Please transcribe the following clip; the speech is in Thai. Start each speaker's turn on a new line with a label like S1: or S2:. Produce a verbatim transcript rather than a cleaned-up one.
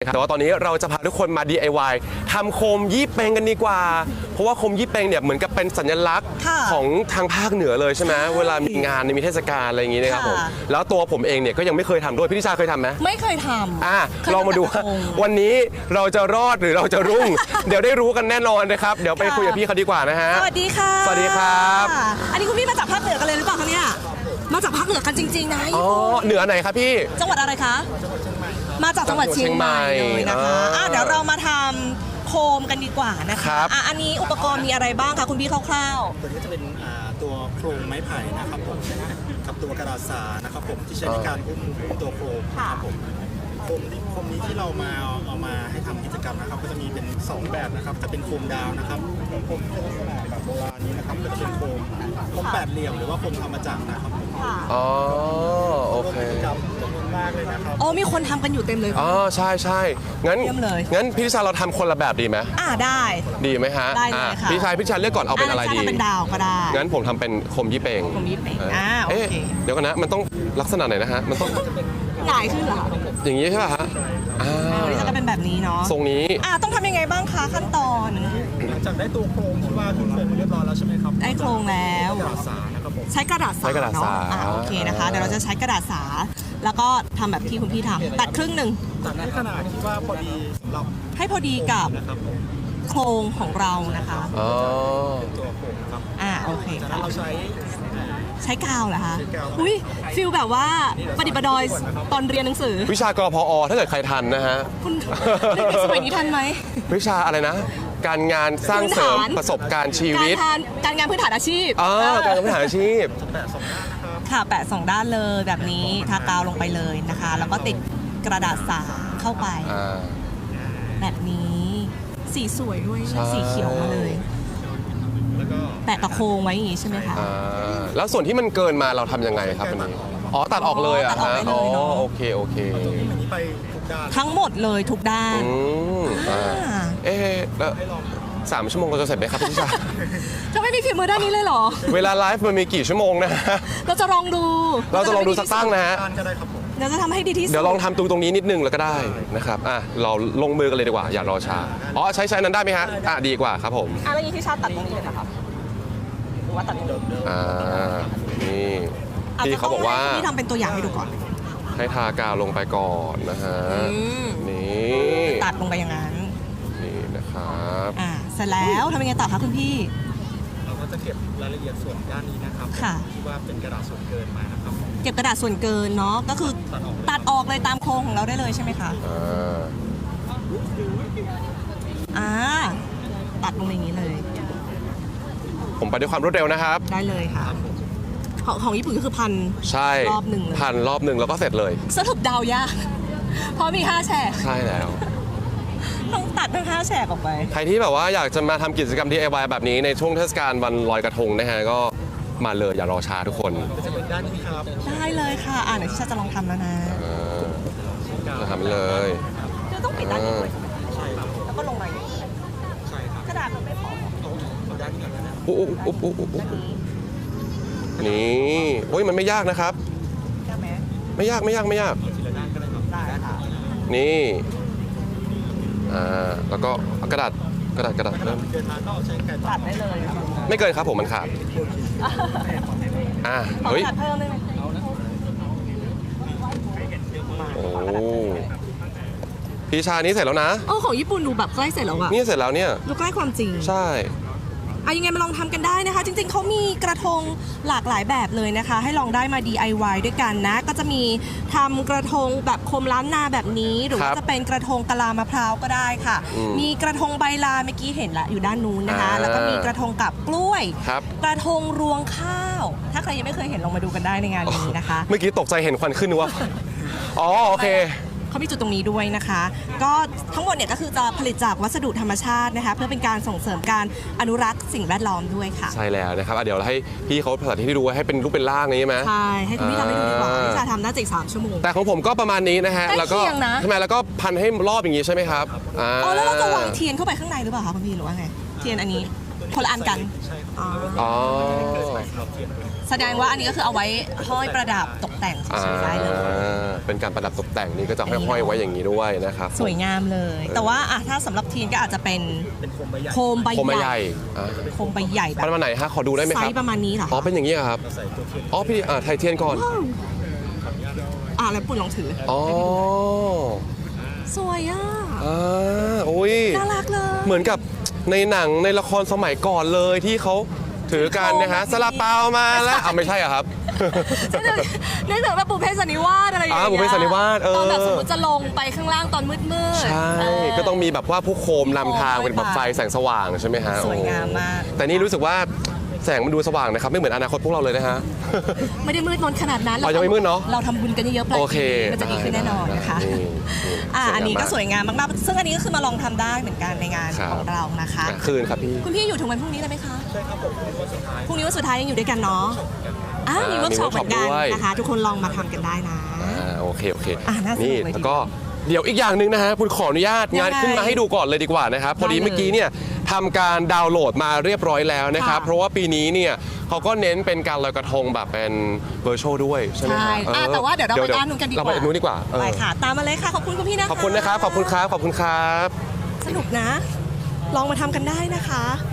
S1: แต่ว่าตอนนี้เราจะพาทุกคนมา ดี ไอ วาย ทำโคมยี่เปงกันดีกว่าเพราะว่าโคมยี่เปงเนี่ยเหมือนกับเป็นสัญลักษณ์ของทางภาคเหนือเลยใช่ไหมเวลามีงานมีเทศกาลอะไรอย่างงี้นะครับผมแล้วตัวผมเองเนี่ยก็ยังไม่เคยทำด้วยพี่ทิชาเคยทำไหม
S2: ไม่เคยทำ
S1: อ่ะลองมาดูวันนี้เราจะรอดหรือเราจะรุ่ง เดี๋ยวได้รู้กันแน่นอนนะครับเดี๋ยวไปคุยกับพี่เขาดีกว่านะฮะ
S2: สวัสดีค่ะ
S1: สวัสดีครับ
S2: อันนี้คุณพี่มาจากภาคเหนือกันเลยหรือเปล่าคะเนี่ยมาจากภาคเหนือกันจริงๆนะ
S1: อ๋อเหนือไหนครับพี่
S2: จังหวัดอะไรคะมาจากจังหวัดเชียงใหม่เลยนะคะอ่ะเดี๋ยวเรามาทำโคมกันดีกว่านะคะอ่ะอันนี้อุปกรณ์มีอะไรบ้างคะคุณพี่คร่าว
S3: ๆตัวนี้จะเป็นตัวโครงไม้ไผ่นะครับผมกับตัวกระดาษสานะครับผมที่ใช้ในการอุ้มตัวโคมครับผมโคมที่โคมนี้ที่เรามาเอามาให้ทำกิจกรรมนะครับก็จะมีเป็นสองแบบนะครับจะเป็นโคมดาวนะครับโคมลักษณะแบบโบราณนี้นะครับก็จะเป็นโคมโคมแปดเหลี่ยมหรือว่าโคมธรรมจักรนะครับ
S1: อ๋อโอเค
S3: จำนวนมากเลยนะครับ
S2: อ๋อมีคนทำกันอยู่เต็มเลย
S1: อ๋อใช่ใช่งั้นงั้นพี่ทิชาเราทำคนละแบบดีไหม
S2: อ่าได้
S1: ดีไหมฮะ
S2: ได้เลยค่ะ
S1: พี่ชายพี่ชายเลือกก่อนเอาเป็นอะไรดี
S2: เป็นดาวก็ได้
S1: งั้นผมทำเป็นโคมยี่เปง
S2: โคมยี่เปงอ่าโอเค
S1: เดี๋ยวกันนะมันต้องลักษณะไหนนะฮะมันต้อง
S2: หงายขึ้นเหรอ
S1: อย่างนี้ใช่ป่ะฮะ
S2: อ่านี่จะเป็นแบบนี้เนาะ
S1: ทรงนี้
S2: อ่าต้องทำยังไงบ้างคะขั้นตอน
S3: หลังจากได้ตัวโครงที่ว่าขึ้นโครงเรียบร้อยแล้วใช่ไหมครับ
S2: ได้โครงแล้ว
S3: กระดาษสานะครับผม
S2: ใช้กระดาษสาเนาะอ่าโอเคนะคะเดี๋ยวเราจะใช้กระดาษสาแล้วก็ทำแบบที่คุณพี่ทำตัดครึ่งหนึ่ง
S3: ตัดให้ขนาดที่ว่าพอดีสำหรับ
S2: ให้พอดีกับโครงของเรานะคะ
S1: อ๋อ
S3: ตัวโครงครับ
S2: อ่าโอเค
S3: จากนั้นเราใช้
S2: ใช้กาวเหรอคะอุ้ยฟิลแบบว่าประดิษฐ์ประดอยตอนเรียนหนังสือ
S1: วิชากรพอถ้าเกิดใครทันนะฮะ
S2: คุณเด็กสมัยนี้ทันไหม
S1: วิชาอะไรนะการงานสร้างเสริมประสบการณ์ชีวิต
S2: การงานพื้นฐานอาชีพ
S1: อ๋อการงานพื้นฐานอาชีพ
S2: ค่ะแปะสองด้านเลยแบบนี้ทากาวลงไปเลยนะคะแล้วก็ติดกระดาษสาเข้าไปแบบนี้สีสวยด้วยสีเขียวมาเลยแปะตะโคงไว้อย่างนี้ใช่ไหมคะ
S1: แล้วส่วนที่มันเกินมาเราทำยังไงครับอันนี้อ๋อตัดออกเลยอ่ะฮะอ๋อโอเคโอเค
S2: ทั้งหมดเลยทุกด้าน
S1: เอ๊ะแล้วสามชั่วโมงเราจะเสร็จไหมครับพี่ชา
S2: จะไม่มีฝีมือด้านนี้เลยเหรอ
S1: เวลาไลฟ์มันมีกี่ชั่วโมงนะ
S2: เราจะลองดู
S1: เราจะลองดูสักตั้งนะฮะ
S2: เดี๋ยวจะทำให้ดีที่สุด
S1: เดี๋ยวลองทำตรงตรงนี้นิดนึงแล้วก็ได้นะครับอ่ะเราลงมือกันเลยดีกว่าอย่ารอช้าอ๋อใช้ใช้นั้นได้ไหมฮะอ่ะดีกว่าครับผม
S2: อ่ะแล้วยี่ที่ชาตัดตรงนี้เลยนะครับหรือว่าตัดตรงนี้
S1: อ่านี่ที่เขาบอกว่า
S2: ที่ทำเป็นตัวอย่างให้ดูก่อน
S1: ให้ทากาวลงไปก่อนนะฮะนี่
S2: ตัดลงไปอย่างนั้น
S1: นี่นะครับ
S2: อ่าเสร็จแล้วทำยังไงต่อคะคุณพี่
S3: เราก็จะเก็บรายละเอียดส่วนด้านนี้นะครับที่ว่าเป็นกระดาษส่วนเกินมานะครับ
S2: เก็บกระดาษส่วนเกินเนาะก็คือตัดออกเลยตามโครงของเราได้เลยใช่ไหมคะ
S1: อ่า
S2: อ่าตัดลงอย่างนี้เลย
S1: ผมไปด้วยความรวดเร็วนะครับ
S2: ได้เลยค่ะของของญี่ปุ่นก็คือพัน
S1: ใช่
S2: รอบหนึ่งเลย
S1: พันรอบหนึ่งแล้วก็เสร็จเลย
S2: สรุปดาวยากเพราะมีห้าแฉก
S1: ใช่แล้ว
S2: ต้องตัดทั้งห้าแฉกออกไป
S1: ใครที่แบบว่าอยากจะมาทำกิจกรรม ดี ไอ วาย แบบนี้ในช่วงเทศกาลวันลอยกระทงนะฮะก็มาเลยอย่ารอช้าทุกคน
S3: จะเป็นด้านนี้ครับ
S2: ได้เลยค่ะอ่าเดี๋ยวที่จะลองทำแล้วนะ
S1: จะทำเลย
S2: คือต้องปิดด้านนี้ด้วยใช่ครับแล้วก็ลงมาใช่ครับกระดาษมันไม่พอ
S3: เอาด้านนี้ก่อนนะ
S1: อุ๊บอุ๊บอุ๊บอุ๊บอุ๊บนี่โอ้ยมันไม่ยากนะครับไม่ยากไม่ยากไม่ยากนี่อ่าแล้วก็กระดาษกระดาษกระดาษเริ่ม
S2: ตัดได้เลย
S1: ไม่เกินครับผมมันขาดอ่าเฮ้ยโอ้พี่ชานี้เสร็จแล้วนะ
S2: โอ้ของญี่ปุ่นดูแบบใกล้เสร็จแล้วอะ
S1: นี่เสร็จแล้วเนี่ย
S2: ดูใกล้ความจริง
S1: ใช่
S2: อ่ะยังไงมาลองทำกันได้นะคะจริงๆเขามีกระทงหลากหลายแบบเลยนะคะให้ลองได้มา ดี ไอ วาย ด้วยกันนะก็จะมีทำกระทงแบบโคมล้านนาแบบนี้หรือว่าจะเป็นกระทงกะลามะพร้าวก็ได้ค่ะมีกระทงใบลาเมื่อกี้เห็นละอยู่ด้านนู้นนะคะแล้วก็มีกระทงกับกล้วยกระทงรวงข้าวถ้าใครยังไม่เคยเห็นลองมาดูกันได้ในงานนี้นะคะ
S1: เมื่อกี้ตกใจเห็นควันขึ้นนึกว่าอ๋อโอเค
S2: เขามีจุดตรงนี้ด้วยนะคะก็ทั้งหมดเนี่ยก็คือจะผลิตจากวัสดุธรรมชาตินะคะเพื่อเป็นการส่งเสริมการอนุรักษ์สิ่งแวดล้อมด้วยค่ะ
S1: ใช่แล้วนะครับเดี๋ยวเราให้พี่เขาภาษาที่ดูให้เป็นรูปเป็นร่างนี้ไหม
S2: ใช่ให้คุณพี่ทำให้ดูดีกว่าพี่ชาทำน่าจะอีกสามชั่วโมง
S1: แต่ของผมก็ประมาณนี้นะฮะแล้วก็ทำไมแล้วก็พันให้รอบอย่างนี้ใช่ไหมครับ
S2: อ๋อแล้วเราจะวางเทียนเข้าไปข้างในหรือเปล่าคะคุณพี่หรือว่าไงเทียนอันนี้คนละอันกัน
S1: อ๋อ
S2: ใส่แสดงว่าอันนี้ก็คือเอาไว้ห้อยประดับตกแต่งเฉยๆได้เลย
S1: อ่าเป็นการประดับตกแต่งนี่ก็จะห้อยๆไว้อย่างนี้ด้วยนะครับ
S2: สวยงามเลย แต่ว่าอ่ะถ้าสำหรับทีนก็อาจจะเป็น
S3: เป็นโคมใบใหญ่
S2: โคมใบ
S1: โคมใบ
S2: ให
S1: ให
S2: ญ่
S1: ญ่อ่า
S2: โคมใบใหญ่แบ
S1: ประ
S2: บ
S1: มาณไหนฮะขอดูได้ไหม
S2: ไซ
S1: ครับ
S2: ส์ประมาณนี้เหรอ
S1: อ๋อเป็นอย่างนี้เหรอครับ
S3: เราใส่ตัวเทียน
S1: อ๋อพี่อ่าไทยเทียนก่อน
S2: อ่ะแล้วปุ่นลองถือ
S1: อ๋อ
S2: สวยอ่ะ
S1: อ่าโอ้ย
S2: น่ารักเลย
S1: เหมือนกับในหนังในละครสมัยก่อนเลยที่เขาถือกันนะฮะ
S2: โคมแบบนี้
S1: ซาลาเปามาแล้วอ่าไม่ใช่เหรอครับ
S2: นึกถึงแบบบุพเพสันนิวาสอะไรอย่างเงี้ย
S1: อ่าบุพเพสันนิวาสเออ
S2: ตอนแบบสมมติจะลงไปข้างล่างตอนมืดๆ
S1: ใช่
S2: เ
S1: ก็ต้องมีแบบว่าผู้โคมนำทางเป็นแบบไฟแสงสว่างใช่ไหมฮะ
S2: สวยงามมาก
S1: โอ้แต่นี่รู้สึกว่าแสงมันดูสว่างนะครับ ไม่เหมือนอนาคตพวกเราเลยนะฮะ
S2: ไม่ได้มืดมนขนาดนั้น
S1: อ๋อยังไม่มืดเนอะ
S2: เราทำบุญกันเยอะๆปลาย
S1: โอเค
S2: ปีมันจะดีขึ้นแน่นอนนะคะ
S1: นี่นี่
S2: อ่าอันนี้ก็ส
S1: สวยงาม
S2: วยงามมากๆซึ่งอันนี้ก็คือมาลองทำได้เหมือนกันในงาน
S1: ครับ
S2: ของเรานะคะ
S1: อ่ะคืนครับพี่
S2: คุณพี่อยู่ถึงวันพรุ่งนี้เลยไหมคะ
S3: ใช่ครับผมเป็นวันสุดท้าย
S2: พรุ่งนี้วันสุดท้ายยังอยู่ด้วยกันเนาะอ่ามี
S1: อ่า
S2: เวิร์กช็อป
S1: มี
S2: เหมือนกัน
S1: workshop ด้วย
S2: นะคะ ทุกคนลองมาทำกันได้นะ
S1: อ่าโอเคโอเค
S2: อ่ะน่าสนุก
S1: นี่
S2: เลยทีเดียว
S1: แล้วก็เดี๋ยวอีกอย่างหนึ่งนะฮะคุณขออนุญาต
S2: ยังไง
S1: งานขึ้นมาให้ดูก่อนเลยดีกว่านะครับพอดี
S2: ได้เลย
S1: เมื่อกี้เนี่ยทำการดาวน์โหลดมาเรียบร้อยแล้วนะครับ
S2: ค่ะ
S1: เพราะว่าปีนี้เนี่ยเขาก็เน้นเป็นการลอยกระทงแบบเป็นเวอร์ชวลด้วยใช่ไหม
S2: ใช่
S1: ฮะ
S2: อ่ะ
S1: ออ
S2: แต่ว่าเดี๋ยวเราไปด้านนู้นกันดีกว่า
S1: เราไปด้านนู้นดีกว่าเออ
S2: ไปค่ะ ตามมาเลยค่ะ ขอบคุณคุณพี่นะคะ
S1: ขอบคุณนะครับขอบคุณครับขอบคุณครับ
S2: สนุกนะ ลองมาทำกันได้นะคะ